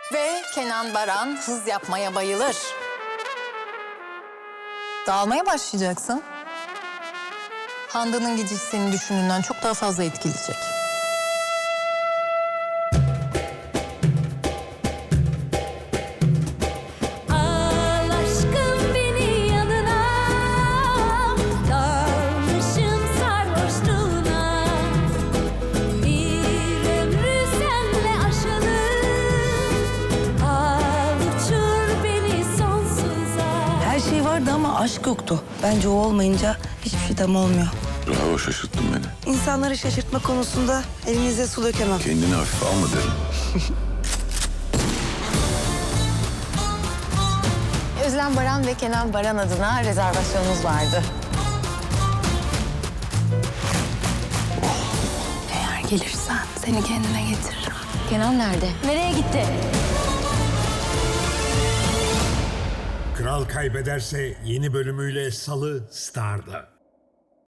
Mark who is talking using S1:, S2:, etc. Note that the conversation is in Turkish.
S1: Ve Kenan Baran hız yapmaya bayılır. Dağılmaya başlayacaksın. Handan'ın gecesi senin düşündüğünden çok daha fazla etkileyecek.
S2: Al aşkım beni yanına, dalmışım sarhoşluğuna. Bir ömrü senle aşalım, al uçur beni sonsuza.
S3: Her şey vardı ama aşk yoktu. Bence o olmayınca hiçbir şey tam olmuyor.
S4: Bravo, şaşırttın beni.
S3: İnsanları şaşırtma konusunda elinize su dökemem.
S4: Kendini hafife alma derim.
S1: Özlem Baran ve Kenan Baran adına rezervasyonumuz vardı. Eğer gelirsen seni kendine getiririm. Kenan nerede?
S2: Nereye gitti?
S5: Kral Kaybederse yeni bölümüyle Salı Star'da.